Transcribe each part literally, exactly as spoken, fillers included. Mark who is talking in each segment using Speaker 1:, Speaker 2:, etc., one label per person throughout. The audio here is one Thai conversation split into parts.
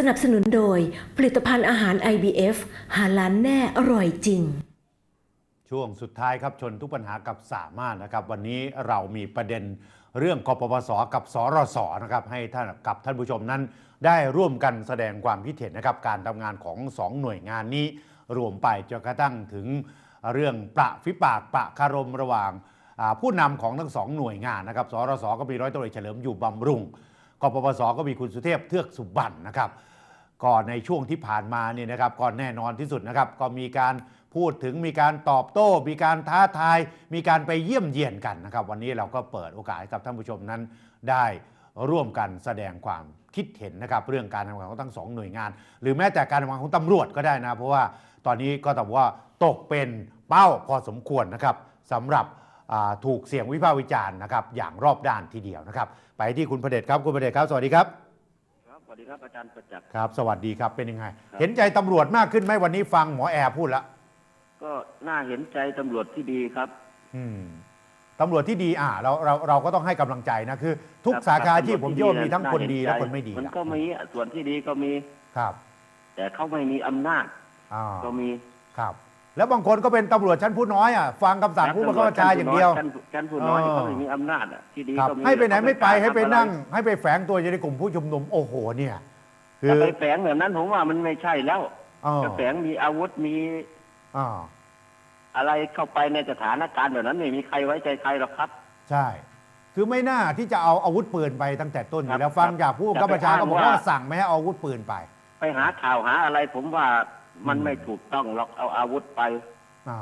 Speaker 1: นับสนุนโดยผลิตภัณฑ์อาหาร ไอ บี เอฟ หาล้านแน่อร่อยจริง
Speaker 2: ช่วงสุดท้ายครับชนทุกปัญหากับสามารถนะครับวันนี้เรามีประเด็นเรื่องกปปสกับสรสนะครับให้ท่านกับท่านผู้ชมนั้นได้ร่วมกันแสดงความคิดเห็นนะครับการทำงานของสองหน่วยงานนี้รวมไปจนกระทั่งถึงเรื่องประฟิปากประคารมระหว่างผู้นำของทั้งสองหน่วยงานนะครับสรสก็มีร้อยตำรวจเฉลิมอยู่บำรุงกปปสก็มีคุณสุเทพเทือกสุบรรณนะครับก่อนในช่วงที่ผ่านมาเนี่ยนะครับก่อนแน่นอนที่สุดนะครับก็มีการพูดถึงมีการตอบโต้มีการท้าทายมีการไปเยี่ยมเยียนกันนะครับวันนี้เราก็เปิดโอกาสให้กับท่านผู้ชมนั้นได้ร่วมกันแสดงความคิดเห็นนะครับเรื่องการทำงานของทั้งสองหน่วยงานหรือแม้แต่การทำงานของตำรวจก็ได้นะเพราะว่าตอนนี้ก็ต้องว่าตกเป็นเป้าพอสมควรนะครับสำหรับถูกเสียงวิพากษ์วิจารณ์นะครับอย่างรอบด้านทีเดียวนะครับไปที่คุณประเดชครับคุณประเดชครับสวัสดีครับ
Speaker 3: ครับสวัสดีครับอาจารย์ประจักษ์
Speaker 2: ครับสวัสดีครับเป็นยังไงเห็นใจตำรวจมากขึ้นไหมวันนี้ฟังหมอแอร์พูดแล้ว
Speaker 3: ก็น่าเห็นใจตำรวจที่ดีครับ
Speaker 2: อืมตำรวจที่ดีอ่าเราเราเราก็ต้องให้กำลังใจนะคือทุกสาขาที่ผมโยนมีทั้งคนดีและคนไม่ดี
Speaker 3: มันก็มีส่วนที่ดีก็มี
Speaker 2: ครับ
Speaker 3: แต่เขาไม่มีอำนาจก็มี
Speaker 2: ครับแล้วบางคนก็เป็นตำรวจชั้นผู้น้อยอ่ะฟังคำสั่งผู้บังคับบัญชาอย่างเดียว
Speaker 3: ชั้นผู้น้อยเขาไม่มีอำนาจอ่ะที่ดีก็มี
Speaker 2: ให้ไปไหนไม่ไปให้ไปนั่งให้ไปแฝงตัวอยู่ในกลุ่มผู้ชุมนุมโอ้โหเนี่ย
Speaker 3: คือไปแฝงแบบนั้นผมว่ามันไม่ใช่แล้วจะแฝงมีอาวุธมีอะไรเข้าไปในสถานการณ์แบบนั้นไม่มีใครไว้ใจใครหรอกครับ
Speaker 2: ใช่คือไม่น่าที่จะเอาอาวุธปืนไปตั้งแต่ต้นอยู่แล้วฟังจากผู้บังคับบัญชาก็บอกว่าสั่งไม่ให้เอาอาวุธปืนไป
Speaker 3: ไปหาข่าวหาอะไรผมว่ามันไม่ถูกต้องหรอกเอาอาวุธไป
Speaker 2: อ่า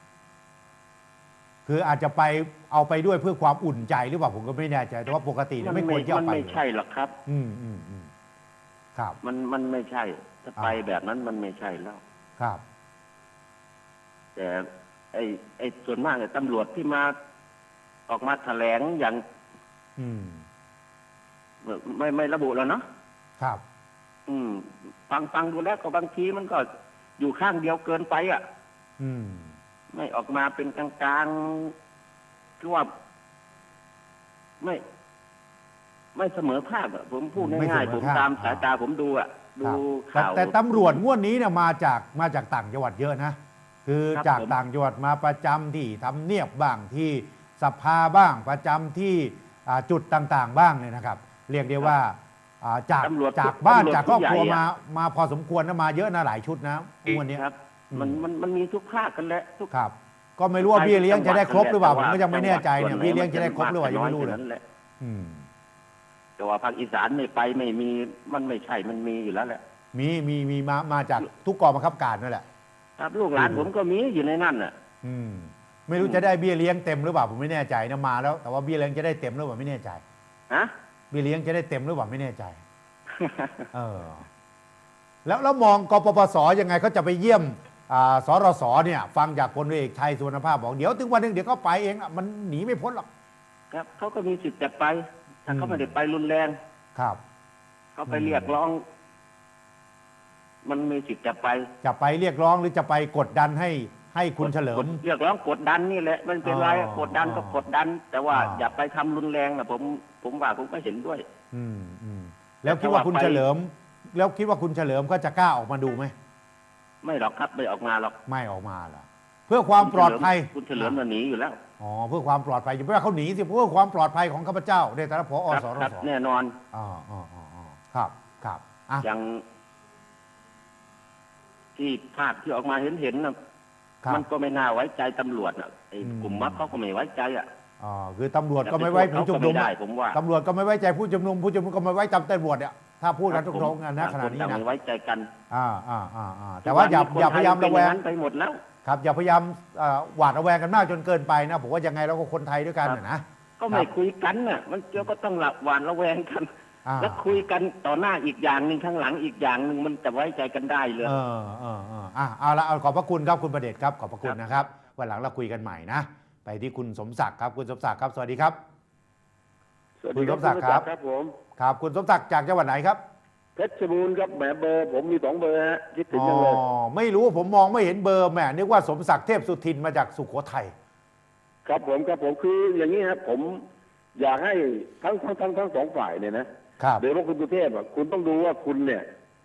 Speaker 2: คืออาจจะไปเอาไปด้วยเพื่อความอุ่นใจหรือเปล่าผมก็ไม่แน่ใจแต่ว่าปกติไม่ควรจะเอาไป
Speaker 3: มันไม่ใช่หรอกครับ
Speaker 2: อืมอืมอืมครับ
Speaker 3: มันมันไม่ใช่ถ้าไปแบบนั้นมันไม่ใช่แล้ว
Speaker 2: ครับ
Speaker 3: แต่ไอ้ไอ้ส่วนมากเนี่ยตำรวจที่มาออกมาแถลงอย่าง
Speaker 2: อืม
Speaker 3: ไม่ไม่ระบุแล้วเนาะ
Speaker 2: ครับ
Speaker 3: อืมฟังฟังดูแล้วก็บางทีมันก็อยู่ข้างเดียวเกินไปอ่ะ
Speaker 2: อืม
Speaker 3: ไม่ออกมาเป็นกลางๆคือว่าไม่ ไม่เสมอภาคอ่ะผมพูดง่ายๆผมตามสายตาผมดูอ่ะดูข่าว
Speaker 2: แต่ตำรวจงวดนี้เนี่ยมาจากมาจากต่างจังหวัดเยอะนะคือจากต่างจังหวัดมาประจำที่ทำเนียบบ้างที่สภาบ้างประจำที่จุดต่างๆบ้างเนี่ยนะครับเรียกได้ว่าจากจากบ้านจากครอบครัวมามาพอสมควรนะมาเยอะนะหลายชุดนะวันนี้
Speaker 3: ครับมันมันมันมีทุกภาคกันแหละทุก
Speaker 2: ครับก็ไม่รู้ว่าเบี้ยเลี้ยงจะได้ครบหรือเปล่าผมก็ยังไม่แน่ใจเนี่ยเบี้ยเลี้ยงจะได้ครบหรือเปล่ายังไม่รู้เลย
Speaker 3: แต่ว่าภาคอีสานไม่ไปไม่มีมันไม่ใช่มันมีอยู่แล้วแหละ
Speaker 2: มีมีมีมามาจากทุกกองบังคับการนั่นแหละ
Speaker 3: ครับลูกหลานผมก็มีอยู่ในนั่นอ่ะ
Speaker 2: อืมไม่รู้จะได้เบี้ยเลี้ยงเต็มหรือเปล่าผมไม่แน่ใจนะมาแล้วแต่ว่าเบี้ยเลี้ยงจะได้เต็มหรือเปล่าไม่แน่ใจ
Speaker 3: ฮะ
Speaker 2: เบี้ยเลี้ยงจะได้เต็มหรือเปล่าไม่แน่ใจเออแล้วแล้วมองกปปสยังไงเขาจะไปเยี่ยมสรสเนี่ยฟังจากพลเอกชัยสุวรรณภาพบอกเดี๋ยวถึงวันหนึ่งเดี๋ยวก็ไปเองมันหนีไม่พ้นหรอก
Speaker 3: ครับเขาก็มีสิทธิ์จะไปถ้าเขาไม่ได้ไปรุนแรง
Speaker 2: ครับ
Speaker 3: เขาไปเรียกร้องมันมีสิทธิ์จะไป
Speaker 2: จะไปเรียกร้องหรือจะไปกดดันให้ให้คุณเฉลิม
Speaker 3: เรียกร้องกดดันนี่แหละมันเป็นไรกดดันก็กดดันแต่ว่าอย่าไปทำรุนแรงนะผมผมว่าผมก็เห็นด้วย
Speaker 2: อืมอืมแล้วคิดว่าคุณเฉลิมแล้วคิดว่าคุณเฉลิมก็จะกล้าออกมาดูไหม
Speaker 3: ไม่หรอกครับไม่ออกมาหรอก
Speaker 2: ไม่ออกมาหรอเพื่อความปลอดภัย
Speaker 3: คุณเฉลิมมันหนีอยู่แล้ว
Speaker 2: อ๋อเพื่อความปลอดภัยอย่าเพื่อเขาหนีสิเพื่อความปลอดภัยของข้าพเจ้าในฐานะผอ.สรส.
Speaker 3: แน่นอน
Speaker 2: อ๋ออ๋ออ๋อครับครับ
Speaker 3: อย่างที่ภาพที่ออกมาเห็นเห็นนะมันก็ไม่น่าไว้ใจตำรวจอ่ะไอ้กลุ่มมัดเขาก็ไม่ไว้ใจอ่ะ
Speaker 2: อ๋อคือตำรวจก็ไม่ไว้ผู้ชุมนุมตำรวจก็ไม่ไว้ใจผู้ชุมนุมผู้ชุมนุมก็ไม่ไว้ใจตำรวจเนี่ยถ้าพูดกันตรงๆนะขนาดนี้นะ
Speaker 3: ไม่ไว้ใจกัน
Speaker 2: อ่าอ่าอ่าอ่าแต่ว่าอย่าอย่าพยายามระแวง
Speaker 3: ไปหมดแล้ว
Speaker 2: ครับอย่าพยายามหวาดระแวงกันมากจนเกินไปนะผมว่ายังไงเราก็คนไทยด้วยกันนะ
Speaker 3: ก็ไม่คุยกันน่ะมันเจ้าก็ต้องหลับหวาดระแวงกันแล้วคุยกันต่อหน้าอีกอย่างหนึ่งข้างหลังอีกอย่างหนึ่งมันจะไว้ใจกันได้เลย
Speaker 2: เออเออเอออ่ะเอาละเอาขอบพระคุณครับคุณประเดชครับขอบพระคุณนะครับวันหลังเราคุยกันใหม่นะไปที่คุณสมศักดิ์ครับคุณสมศักดิ์ครับสวัสดีครับ
Speaker 4: คุณสมศักดิ์ครับครับผม
Speaker 2: ครับคุณสมศักดิ์จากจังหวัดไหนครับ
Speaker 4: เพชรบูรณ์ครับแหมเบอร์ผมมีสองเบอร์ฮะคิดถึงยังเลย
Speaker 2: อ๋อไม่รู้ผมมองไม่เห็นเบอร์แหมนึกว่าสมศักดิ์เทพสุทินมาจากสุโขทัย
Speaker 4: ครับผมครับผมคืออย่างนี้ครับผมอยากให้ทั้งทั้งทั้งทั้งสองฝ่ายเนี่ยนะโดยเฉพาะคุณสุเทพอ่ะคุณต้องดูว่าคุณเนี่ย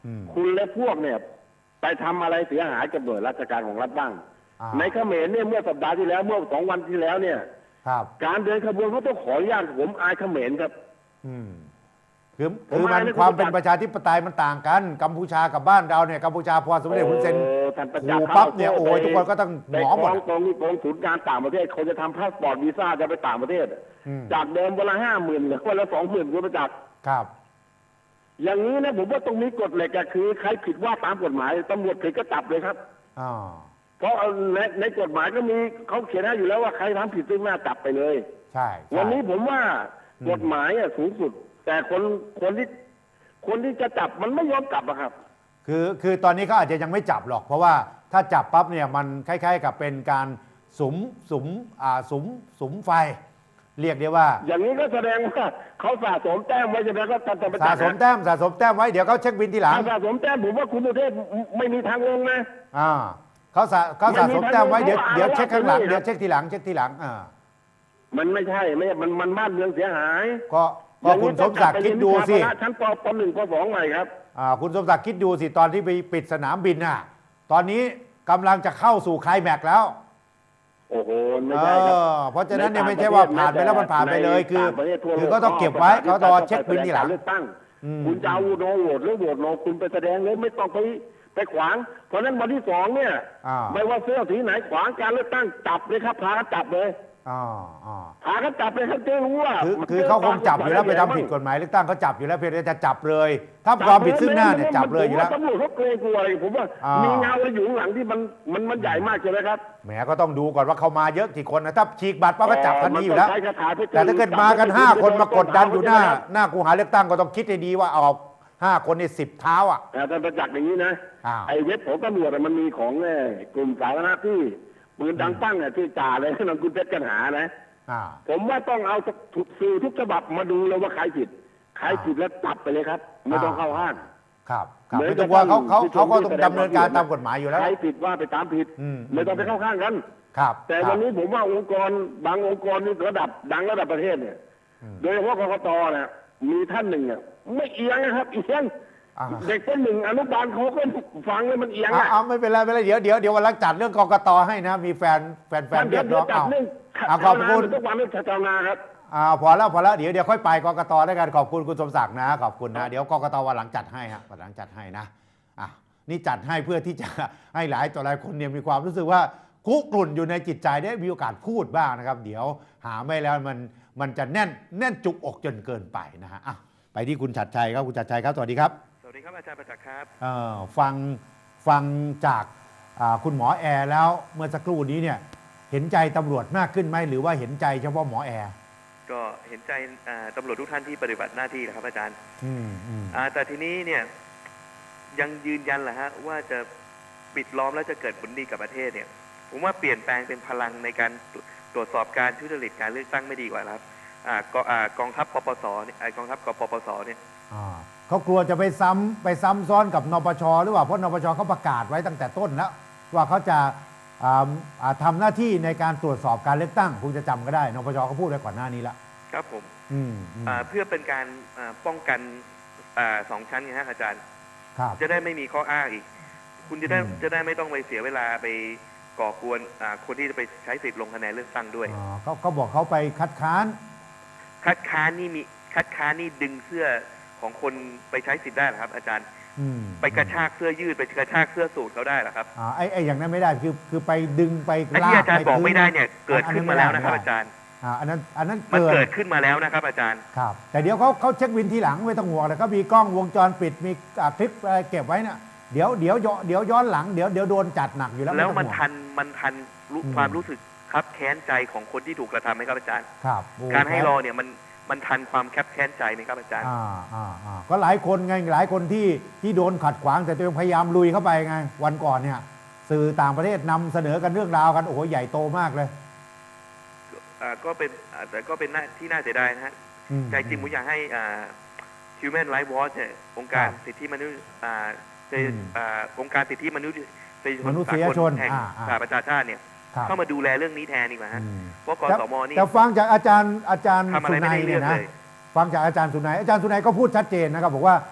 Speaker 2: อืม
Speaker 4: คุณและพวกเนี่ย ไปทำอะไรเสียหายกับหน่วยราชการของรัฐบ้าง
Speaker 2: อ่า
Speaker 4: ในเขมรเนี่ยเมื่อสัปดาห์ที่แล้วเมื่อสองวันที่แล้วเนี่ย
Speaker 2: ครับ
Speaker 4: การเดินขบวนเขาต้องขออนุญาตผมอายเขมรครับ
Speaker 2: อืมคือ
Speaker 4: ผม
Speaker 2: คือมัน
Speaker 4: อ่านใน
Speaker 2: ความเป็น
Speaker 4: คุณประจักษ์
Speaker 2: ประชาธิปไตยมันต่างกันกัมพูชากับบ้านเราเนี่ยกัมพูชาพอสมเด็จฮุนเซน
Speaker 4: โอ้ท่านประจักษ์
Speaker 2: ขู่ปั๊บเนี่ยโอ้ยทุกคนก็ต้อง
Speaker 4: ไป
Speaker 2: หมอหมด
Speaker 4: กองกองกองศูนย์การต่างประเทศเขาจะทำพาสปอร์ตวีซ่าจะไปต่างประเทศ
Speaker 2: อืม
Speaker 4: จากเดิมวันละห้าหมื่นเหลือวันละสองหมื่นคุณประจักษ์
Speaker 2: ครับ
Speaker 4: อย่างนี้นะผมว่าตรงนี้กฎเหล็กอะคือใครผิดว่าตามกฎหมายตำรวจผิดก็จับเลยครับ
Speaker 2: อ่า
Speaker 4: เพราะในในกฎหมายก็มีเขาเขียนให้อยู่แล้วว่าใครทำผิดซึ่งหน้าจับไปเลย
Speaker 2: ใช่ใช่
Speaker 4: วันนี้ผมว่า
Speaker 2: อืม
Speaker 4: กฎหมายอะสูงสุด แต่คนคนที่คนที่จะจับมันไม่ยอมจับอะครับ
Speaker 2: คือคือตอนนี้เขาอาจจะยังไม่จับหรอก เพราะว่าถ้าจับปั๊บเนี่ยมันคล้ายๆกับเป็นการสุมสุมอ่าสุมสุมไฟ เรียกได้ว่า
Speaker 4: อย่างนี้ก็แสดงว่าเขาสะสมแต้มไว้ใช่ไหมก็ตัดแต่ประ
Speaker 2: สะ
Speaker 4: จักษ์
Speaker 2: สมแต้มสะสมแต้มไว้เดี๋ยวเขาเช็คบินทีหลัง
Speaker 4: ถ้าสะสมแต้มผมว่าคุณสุเทพไม่มีทางลงนะ
Speaker 2: อ่าเขาสะเขาสะสมแต้มไว้เดี๋ยว
Speaker 4: ไม่มี
Speaker 2: เดี๋ยวเช็คข้างหลัง
Speaker 4: ไม่มี
Speaker 2: เดี๋ยวเช็คทีหลังเช็คทีหลังอ่า
Speaker 4: มันไม่ใช่ไม่มันมันบ้านเมืองเสียหาย
Speaker 2: ก็ก็คุณสมศักดิ์คิดดูสิ
Speaker 4: อย่างนี้ต้องกลับไปเรียนวิชาพละชั้นปปหนึ่งปสองใหม่ครับ
Speaker 2: อ่าคุณสมศักดิ์คิดดูสิตอนที่ไปปิดสนามบินน่ะตอนนี้กำลังจะเข้าสู่ไคลแม็กซ์แล้ว
Speaker 4: โอ้โหไม่
Speaker 2: เอ
Speaker 4: ใช่ครับ
Speaker 2: อเพราะฉะนั้นเนี่ยไม่ใช่ว่าผ่านไปแล้วมันผ่านไปเลยคือ
Speaker 4: ในต่างประเทศทั่วโล
Speaker 2: คือก็ต้องเก็บไว้เขารอเช็คบินทีหลัง
Speaker 4: เลือกตั้ง
Speaker 2: อืม
Speaker 4: คุณจะเอาโนโหวตหรือโหวตโนคุณไปแสดงเลยไม่ต้องไปไปขวาง เพราะฉะนั้นวันที่สองเนี่ย
Speaker 2: อ่า
Speaker 4: ไม่ว่าเสื้อสีไหนขวางการเลือกตั้งจับเลยครับพากันจับเลย
Speaker 2: อ่าอ่า
Speaker 4: พากันจับเลยครับจะรู้ว่า
Speaker 2: คือ
Speaker 4: มัน
Speaker 2: คือเขาคงจับอยู่แล้วไปทำผิดกฎหมายเลือกตั้งเขาจับอยู่แล้วเพียงแต่จะจับเลย ถ้าความผิดซึ่งหน้าเนี่ยจับเลยอยู่แล้ว
Speaker 4: ผมว่าตำรวจเขาเกรงกลัวอะไรผมว่า
Speaker 2: อ่ามี
Speaker 4: มีเงาอะไรอยู่ข้างหลังที่มันมันมันใหญ่มากใช่ไหมครับ
Speaker 2: แหมก็ต้องดูก่อนว่าเขามาเยอะกี่คนนะถ้าฉีกบัตรปั๊บก็จับทันทีอยู่แล้ว
Speaker 4: มันต้งใช้คาถาพิฆ
Speaker 2: แต่ถ้าเกิดมากันห้าคนมากดดันอยู่หน้า หน้ากูหาเลือกตั้งก็ต้องคิดให้ดีว่าเอาห้าคนในสิบเท้าอ่ะ
Speaker 4: แต่ท่านประจักษ์อย่างนี้นะ
Speaker 2: อ้าว
Speaker 4: ไอ้เว็บของตำรวจอะมันมีของเอ่อกลุ่มสาธารณะที่ปืนดังปั้งอ่ะที่จ่าเลยนั่นคุณเพชรกันหานะ
Speaker 2: อ่า
Speaker 4: ผมว่าต้องเอาทุกสื่อทุกฉบับมาดูเลยว่าใครผิดใครผิดแล้วจับไปเลยครับ ไม่ต้องเข้าห้าง
Speaker 2: ครับครับ
Speaker 4: เหมือน
Speaker 2: ไม่ต้องว่าเขาเขา
Speaker 4: กับ
Speaker 2: เขาก็ต้อง
Speaker 4: ที่
Speaker 2: ดำเนินการ
Speaker 4: ที่
Speaker 2: ตามกฎหมายอยู่แล้ว
Speaker 4: ใครผิดว่าไปตามผิด
Speaker 2: อืม
Speaker 4: ไม่ต้องไปเข้าข้างกัน
Speaker 2: ครับ
Speaker 4: แต่
Speaker 2: ครับ
Speaker 4: วันนี้ผมว่าองค์กรบางองค์กรนี่ระดับดังระดับประเทศเนี่ย
Speaker 2: อืม
Speaker 4: โดยเฉพาะกกตเนี่ยมีท่านหนึ่งอ่ะไม่เอียงนะครับเอียง
Speaker 2: อ่า
Speaker 4: เด็กคนหนึ่งอนุบาลเขาก็ฟังแล้วมันเอียง
Speaker 2: เอา
Speaker 4: อ่ะ
Speaker 2: เอาไม่เป็นไรไม่เป็นไรเดี๋ยวเดี๋ยวเดี๋ยววันหลังจัดเรื่องกกตให้นะ มีแฟนแฟนแฟน
Speaker 4: ท่าน
Speaker 2: เรี
Speaker 4: เดี๋
Speaker 2: ย
Speaker 4: ยว
Speaker 2: กร้อง
Speaker 4: จัด
Speaker 2: เอา
Speaker 4: เรื่อง
Speaker 2: เอาขอบคุณ
Speaker 4: ทุกวันเรื่องชาวนาครับ
Speaker 2: อ่าพอแล้วพอแล้วเดี๋ยวเดี๋ยวค่อยไปกกตแล้วกันขอบคุณคุณสมศักดิ์นะขอบคุณนะเดี๋ยวกกตวันหลังจัดให้ฮะวันหลังจัดให้นะอ่ะนี่จัดให้เพื่อที่จะ ให้หลายต่อหลายคนเนี่ยมีความรู้สึกว่าคุกรุ่นอยู่ในจิตใจได้มีโอกาสพูดบ้างนะครับ เดี๋ยวหาไม่แล้วมันมันจะแน่นแน่นจุกอกจนเกินไปนะฮะอ่ะไปที่คุณชัดชัยครับคุณชัดชัยครับสวัสดีครับ
Speaker 5: สวัสดีครับอาจารย์ประจักษ์ครับ
Speaker 2: เอ่อฟังฟังจากอ่าคุณหมอแอร์แล้วเมื่อสักครู่นี้เนี่ยเห็นใจตำรวจมากขึ้นไหมหรือว่าเห็นใจเฉพาะหมอแอร์
Speaker 5: ก็เห็นใจอ่าตำรวจทุกท่านที่ปฏิบัติหน้าที่นะครับอาจารย์
Speaker 2: อืมอืม
Speaker 5: อ่าแต่ทีนี้เนี่ยยังยืนยันแหละฮะว่าจะปิดล้อมแล้วจะเกิดผลดีกับประเทศเนี่ยผมว่าเปลี่ยนแปลงเป็นพลังในการตรวจสอบการทุจริตการเลือกตั้งไม่ดีกว่าครับอ่ากอ่ากองทัพปปสเนี่ยอ่ากองทัพกปปสเนี่ย
Speaker 2: อ่าเขากลัวจะไปซ้ำไปซ้ำซ้อนกับนปชหรือเปล่าเพราะนปชเขาประกาศไว้ตั้งแต่ต้นแล้วว่าเขาจะอ่าอ่าทำหน้าที่ในการตรวจสอบการเลือกตั้งคุณจะจำก็ได้นปชเขาพูดไว้ก่อนหน้านี้แล้ว
Speaker 5: ครับผม
Speaker 2: อืมอืม
Speaker 5: อ่าเพื่อเป็นการอ่าป้องกันอ่าสองชั้นไงฮะอาจารย์
Speaker 2: ครับ
Speaker 5: จะได้ไม่มีข้ออ้างอีก คุณจะได้
Speaker 2: อืม
Speaker 5: จะได้ไม่ต้องไปเสียเวลาไปก่อกวนอ่าคนที่จะไปใช้สิทธิ์ลงคะแนนเลือกตั้งด้วย
Speaker 2: อ๋อเขาเขาบอกเขาไปคัดค้าน
Speaker 5: คัดค้านนี่มีคัดค้านนี่ดึงเสื้อของคนไปใช้สิทธิ์ได้เหรอครับ อาจารย์
Speaker 2: อืม
Speaker 5: ไปกระชากเสื้อยืดไปกระชากเสื้อสูทเขาได้เหรอครับ
Speaker 2: อ่าไอ้ไอ้อย่างนั้นไม่ได้คือคือไปดึงไป
Speaker 5: ไอ้
Speaker 2: ลา
Speaker 5: ที่
Speaker 2: ก
Speaker 5: อาจารย์บอก
Speaker 2: ป
Speaker 5: ไม่ได้เนี่ย
Speaker 2: คื
Speaker 5: เกิดขึ้นมาแล้วนะครับ อาจารย์
Speaker 2: อ่าอันนั้นอันนั้น
Speaker 5: มัน
Speaker 2: เกิ
Speaker 5: เกิ
Speaker 2: ด
Speaker 5: ดขึ้นมาแล้วนะครับ อาจารย์
Speaker 2: ครับแต่เดี๋ยวเขาเขาเช็ควินทีหลังไม่ต้องห่วงเลยเขามีกล้องวงจรปิดมีอ่าคลิปอะไรเก็บไว้เนี่ยเดี๋ยวเดี๋ยวย้อนเดี๋ยวย้อนหลังเดี๋ยวเดี๋ยวโดนจัดหนักอยู่แล้ว
Speaker 5: แล้ว
Speaker 2: ไต้อง
Speaker 5: มัน
Speaker 2: ห่วง
Speaker 5: ทันมันทันรู้
Speaker 2: อืม
Speaker 5: ความรู้สึกครับแค้นใจของคนที่ถูกกระทำไหมครับอาจารย์
Speaker 2: ครับโอ้
Speaker 5: การให้
Speaker 2: แพ้
Speaker 5: รอเนี่ยมันมันทันความแคบแค้นใจไหมครับอาจารย์
Speaker 2: อ่าอ่าอ่าก็หลายคนไงหลายคนที่ที่โดนขัดขวางแต่ตัวเองพยายามลุยเข้าไปไงวันก่อนเนี่ยสื่อต่างประเทศนำเสนอกันเรื่องราวกันโอ้โหใหญ่โตมากเลย
Speaker 5: อ่าก็เป็นอ่าแต่ก็เป็นหน้าที่น่าเสียดายนะฮะ
Speaker 2: อืม
Speaker 5: ใจจริงผมอยากให้อ่า Human Rights Watch เนี่ยองค์การ
Speaker 2: ครับ
Speaker 5: สิทธิมนุษย์อ่าเจ
Speaker 2: อืม
Speaker 5: อ่าองค์การสิทธิมนุษย์
Speaker 2: มนุษยชน
Speaker 5: แห่ง
Speaker 2: อ่าอ่า
Speaker 5: สหประชาชาติเนี่ย
Speaker 2: ครับ
Speaker 5: เข้ามาดูแลเรื่องนี้แทนดีกว่าฮะ
Speaker 2: อืม
Speaker 5: เพราะก
Speaker 2: แต่
Speaker 5: สมนี่
Speaker 2: แต่ฟังจากอาจารย์อาจารย์
Speaker 5: ทำอะไร
Speaker 2: สุ
Speaker 5: ไม่
Speaker 2: นัย
Speaker 5: ได้เรื่
Speaker 2: เนี่
Speaker 5: อย ง
Speaker 2: นะ
Speaker 5: เลย
Speaker 2: ฟังจากอาจารย์สุนัยอาจารย์สุนัยก็พูดชัดเจนนะครับบอกว่า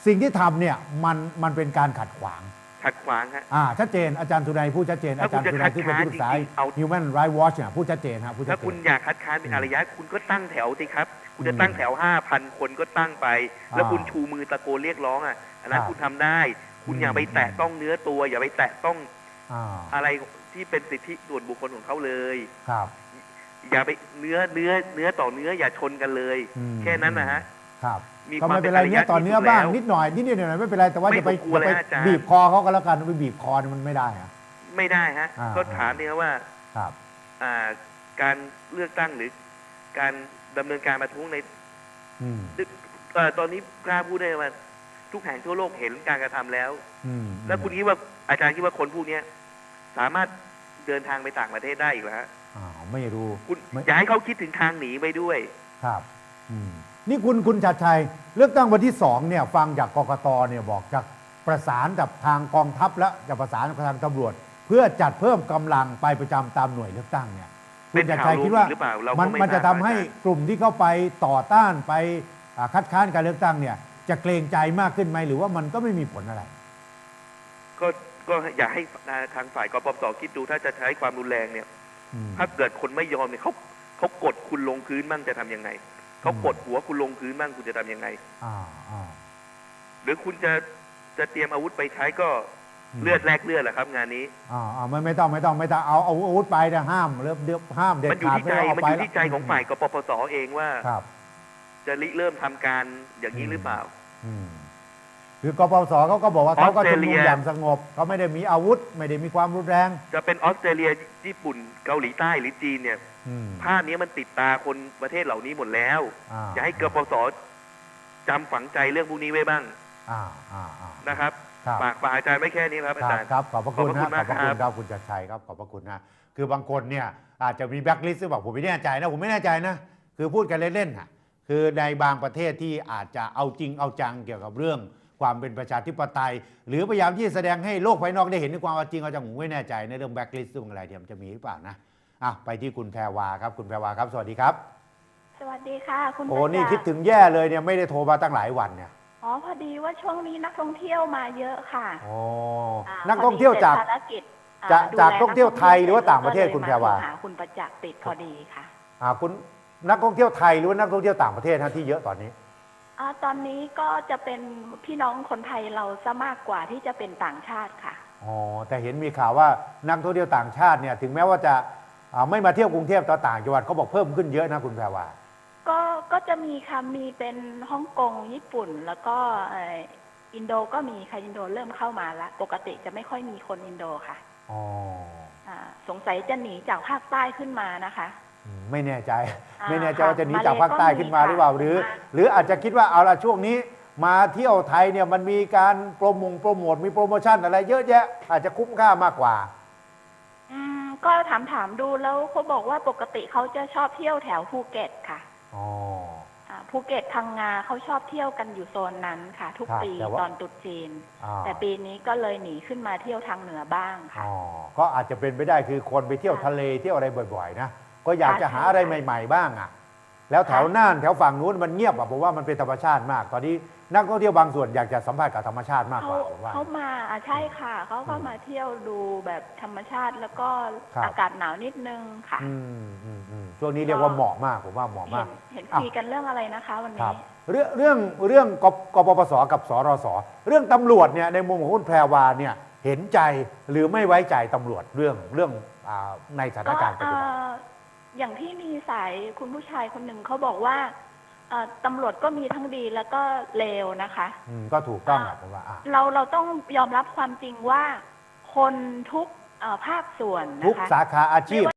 Speaker 2: สิ่งที่ทำเนี่ยมันมันเป็นการขัดขวาง
Speaker 5: ขัดขวางฮะ
Speaker 2: อ่าชัดเจนอาจารย์สุนัยพูดชัดเจนอา
Speaker 5: ถ้า
Speaker 2: จารย์
Speaker 5: คุณ
Speaker 2: สุ
Speaker 5: จะ
Speaker 2: นัยที่เป็นที่ปรึกษา
Speaker 5: คัดค้านจริงๆเอา
Speaker 2: Human Rights Watch เนี่ยพูดชัดเจนครับพูดชั
Speaker 5: ถ้า
Speaker 2: ดเจ
Speaker 5: คุณ
Speaker 2: น
Speaker 5: อยากคัดค้านเป็นอารยะคุณก็ตั้งแถวสิครับ คุณจะ
Speaker 2: อืม
Speaker 5: ตั้งแถวห้าพันคนก็ตั้งไป แล้ว
Speaker 2: อ่า
Speaker 5: คุณชูมือตะโกนเรียกร้องอ่ะอันนั้น
Speaker 2: ครับ
Speaker 5: คุณทำได้ คุณ
Speaker 2: อืม
Speaker 5: อย่าไปแตะต้องเนื้อตัว อย่าไปแตะต้อง
Speaker 2: อ่า
Speaker 5: อะไรที่เป็นสิทธิส่วนบุคคลของเขาเลย
Speaker 2: ครับ
Speaker 5: อย่าไปเนื้อเนื้อเนื้อต่อเนื้ออย่าชนกันเลย
Speaker 2: อืม
Speaker 5: แค่นั้นนะฮะ
Speaker 2: ครับ
Speaker 5: มี
Speaker 2: ก็
Speaker 5: ความ
Speaker 2: ไม่เป็นไร
Speaker 5: เป็นอารยะ
Speaker 2: เนี่ยต่อเนื้อ
Speaker 5: ที่สุด
Speaker 2: บ้าง
Speaker 5: แล้ว
Speaker 2: นิดหน่อยนิดหน่อยไม่เป็นไรแต่ว่า
Speaker 5: ไม่
Speaker 2: จะไป
Speaker 5: ต้องกลัวเลย
Speaker 2: ไป
Speaker 5: ฮะอาจารย์
Speaker 2: บีบคอเขาก็แล้วกันไปบีบคอเนี่ยมันไม่ได้อะ
Speaker 5: ไม่ได้ฮะ
Speaker 2: อ่า
Speaker 5: ก็ถามเนี่ยว่า
Speaker 2: ครับ
Speaker 5: อ่าการเลือกตั้งหรือการดำเนินการประท้วงใน
Speaker 2: อืม
Speaker 5: เอ่อตอนนี้กล้าพูดได้ว่าทุกแห่งทั่วโลกเห็นการกระทำแล้ว
Speaker 2: อืม
Speaker 5: แล้วคุณคิดว่าอาจารย์คิดว่าคนพวกเนี้ยสามารถเดินทางไปต่างประเทศได้อีกแล้ว
Speaker 2: อ้าวไม่รู้
Speaker 5: คุณ
Speaker 2: ไม่
Speaker 5: อย่าให้เขาคิดถึงทางหนีไปด้วย
Speaker 2: ครับอืมนี่คุณคุณชัดชัยเลือกตั้งวันที่สองเนี่ยฟังจากกกตเนี่ยบอกจะประสานกับทางกองทัพและจะประสานกับทางตำรวจ เพื่อจัดเพิ่มกำลังไปประจำตามหน่วยเลือกตั้งเนี่ยคุ
Speaker 5: เป็
Speaker 2: ณ
Speaker 5: น
Speaker 2: ชัด
Speaker 5: ข่าว
Speaker 2: ชัยคิดว่า
Speaker 5: ลวงหรือเปล่าเราก็
Speaker 2: มัน
Speaker 5: ไม่
Speaker 2: มันจะ
Speaker 5: ทรา
Speaker 2: ทำ
Speaker 5: บ
Speaker 2: ให้
Speaker 5: อาจารย์
Speaker 2: กลุ่มที่เข้าไปต่อต้านไปอ่าคัดค้านการเลือกตั้งเนี่ยจะเกรงใจมากขึ้นไหมหรือว่ามันก็ไม่มีผลอะไร
Speaker 5: ก็ก็อย่าให้ทางฝ่ายกปปสคิดดูถ้าจะใช้ความรุนแรงเนี่ย
Speaker 2: อืม
Speaker 5: ถ้าเกิดคนไม่ยอมเนี่ยเขาเขากดคุณลงพื้นบ้างจะทำยังไงเขากดหัวคุณลงพื้นบ้างคุณจะทำยังไง
Speaker 2: อ่าอ่า
Speaker 5: หรือคุณจะจะเตรียมอาวุธไปใช้ก็
Speaker 2: อืม
Speaker 5: เลือดแลกเลือดแหละครับ งานนี้
Speaker 2: อ่าอ่าไม่ไม่ต้องไม่ต้องไม่ต้องเอาเอาอาวุธไปนะห้ามเริ่มเดือบห้ามเด็ด
Speaker 5: มันอยู่
Speaker 2: ขาด
Speaker 5: ที่
Speaker 2: ไม่
Speaker 5: ใจ
Speaker 2: ต้องเอา
Speaker 5: มัน
Speaker 2: ไป
Speaker 5: อยู่
Speaker 2: แล้ว
Speaker 5: ที่ใจของฝ่ายกปปสเองว่า
Speaker 2: ครับ
Speaker 5: จะริเริ่มทำการอย่างนี้หรือเปล่า
Speaker 2: อืมคือกปปสเขาก็บอกว่าเขาก็ชุมนุม
Speaker 5: ออสเตรเลีย
Speaker 2: อย่างสงบเขาไม่ได้มีอาวุธ ไม่ได้มีความรุนแรง
Speaker 5: จะเป็นออสเตรเลียญี่ปุ่นเกาหลีใต้หรือจีนเนี่ย
Speaker 2: อืม
Speaker 5: ภาพนี้มันติดตาคนประเทศเหล่านี้หมดแล้ว
Speaker 2: อ่า
Speaker 5: อย่าให้กปปสจำฝังใจเรื่องพวกนี้ไว้บ้าง
Speaker 2: อ่าอ่าอ่า
Speaker 5: นะครับ
Speaker 2: ครับ
Speaker 5: ฝากฝากอาจารย์ไว้แค่นี้ครับอา
Speaker 2: ครั
Speaker 5: จา
Speaker 2: บ
Speaker 5: รย์
Speaker 2: ครับขอบพระคุณ
Speaker 5: ขอบพระคุณ
Speaker 2: นะขอบพระคุณ
Speaker 5: มากครับ
Speaker 2: ครับคุณจัดชัยครับขอบพระคุณนะคือบางคนเนี่ยอาจจะมีแบ็คลิสต์หรือเปล่าผมไม่แน่ใจนะผมไม่แน่ใจนะคือพูดกันเล่นๆอ่ะคือในบางประเทศที่อาจจะเอาจริงเอาจังเกี่ยวกับเรื่องความเป็นประชาธิปไตย หรือพยายามที่จะแสดงให้โลกภายนอกได้เห็นถึงความจริงเอาจังผมไม่แน่ใจในเรื่องแบ็คลิสต์เรื่องอะไรเดี๋ยวมันจะมีหรือเปล่านะอ่ะไปที่คุณแพรวาครับคุณแพรวาครับสวัสดีครับ
Speaker 6: สวัสดีค่ะ คุณ
Speaker 2: โอ้
Speaker 6: ประจักษ์
Speaker 2: นี่คิดถึงแย่เลยเนี่ยไม่ได้โทรมาตั้งหลายวันเนี่ย
Speaker 6: อ๋อพอดีว่าช่วงนี้นักท่องเที่ยวมาเยอะค่ะ
Speaker 2: โอ้
Speaker 6: า
Speaker 2: นักท่องเที่ยวจาก
Speaker 6: พอดีสร็จภารกิจอ่
Speaker 2: จาก
Speaker 6: ดู
Speaker 2: จาก
Speaker 6: แล
Speaker 2: ท่องเที่ยวไทยหรือว่าต่างประเทศคุณแพรวา
Speaker 6: ก็เลยมโทหคุณประจักษ์ติดพอดีค่ะ
Speaker 2: อ่าคุณนักท่องเที่ยวไทยหรือว่านักท่องเที่ยวต่างประเทศฮะที่เยอะตอนนี้
Speaker 6: อ่าตอนนี้ก็จะเป็นพี่น้องคนไทยเราซะมากกว่าที่จะเป็นต่างชาติค่ะ
Speaker 2: อ๋อแต่เห็นมีข่าวว่านักท่องเที่ยวต่างชาติเนี่ยถึงแม้ว่าจะอ่าไม่มาเที่ยวกรุงเทพแต่ต่างจังหวัดเขาบอกเพิ่มขึ้นเยอะนะคุณแพรวา
Speaker 6: ก็ก็จะมีค่ะมีเป็นฮ่องกงญี่ปุ่น แล้วก็เอ่ออินโดก็มีค่ะอินโดเริ่มเข้ามาละปกติจะไม่ค่อยมีคนอินโดค่ะ
Speaker 2: อ๋อ
Speaker 6: อ่าสงสัยจะหนีจากภาคใต้ขึ้นมานะคะ
Speaker 2: อืมไม่แน่ใจ
Speaker 6: อ่า
Speaker 2: ไม่แน่ใจ
Speaker 6: ค่ะ
Speaker 2: ว่าจะหนี
Speaker 6: มาเล
Speaker 2: จากภาคใต้ขึ้นมาหรือเปล่า
Speaker 6: ก็มี
Speaker 2: หรือ
Speaker 6: ค่ะ
Speaker 2: หรืออาจจะคิดว่าเอาละช่วงนี้มาเที่ยวไทยเนี่ยมันมีการโปรโมงโปรโมทมีโปรโมชั่นอะไรเยอะแยะ อาจจะคุ้มค่ามากกว่า
Speaker 6: อืมก็ถามถามดูแล้วเขาบอกว่าปกติเขาจะชอบเที่ยวแถวภูเก็ตค่ะ
Speaker 2: อ๋อ
Speaker 6: อ่าภูเก็ตพังงาเขาชอบเที่ยวกันอยู่โซนนั้นค่ะ ทุก
Speaker 2: ครับ
Speaker 6: ปี
Speaker 2: แต่ว่า
Speaker 6: ตอนตรุษจีน
Speaker 2: อ่า
Speaker 6: แต่ปีนี้ก็เลยหนีขึ้นมาเที่ยวทางเหนือบ้างค่ะ
Speaker 2: อ๋อก็อาจจะเป็นไปได้คือคนไปเที่ยว
Speaker 6: ค่ะ
Speaker 2: ทะเลเที่ยวอะไรบ่อยๆนะก็อยากจะ
Speaker 6: ค่ะ
Speaker 2: หาอะไร
Speaker 6: ใช่
Speaker 2: ใหม่ ๆ บ้างอ่ะแล้วแถว
Speaker 6: ค่ะ
Speaker 2: น่านแถวฝั่งนู้นมันเงียบอ่ะผมว่ามันเป็นธรรมชาติมาก ตอนนี้นักท่องเที่ยวบางส่วนอยากจะสัมผัสกับธรรมชาติมากก
Speaker 6: เขา
Speaker 2: ว่าผมว่า
Speaker 6: เขามาอ่ะใช่ค่ะเขาก็
Speaker 2: อืม
Speaker 6: มาเที่ยวดูแบบธรรมชาติแล้วก็
Speaker 2: ครับ
Speaker 6: อากาศหนาวนิดนึงค่ะ
Speaker 2: อืมอืมอืมช่วงนี้เรียกว่าเหมาะมากผมว่าเหมาะ
Speaker 6: เห็
Speaker 2: มาก
Speaker 6: นเห็น
Speaker 2: อ้าว
Speaker 6: คุยกันเรื่องอะไรนะคะ วัน
Speaker 2: ครั
Speaker 6: นี้
Speaker 2: บเรื่องเรื่องเรื่องกกปปสกับสรสเรื่องตำรวจเนี่ยในมุมของคุณแพรวาเนี่ยเห็นใจหรือไม่ไว้ใจตำรวจเรื่องเรื่องอาในสถาน
Speaker 6: ก็
Speaker 2: การณ์ปัจจุบัน
Speaker 6: เอ่ออย่างที่มีสายคุณผู้ชายคนหนึ่งเขาบอกว่าเอ่อตำรวจก็มีทั้งดีแล้วก็เลวนะคะ
Speaker 2: อืมก็ถูกต้องแหละผมว่าอ่ะ
Speaker 6: เราเราต้องยอมรับความจริงว่าคนทุกเอ่อภาคส่วน
Speaker 2: ทุก
Speaker 6: นะคะ
Speaker 2: สาขาอาชีพ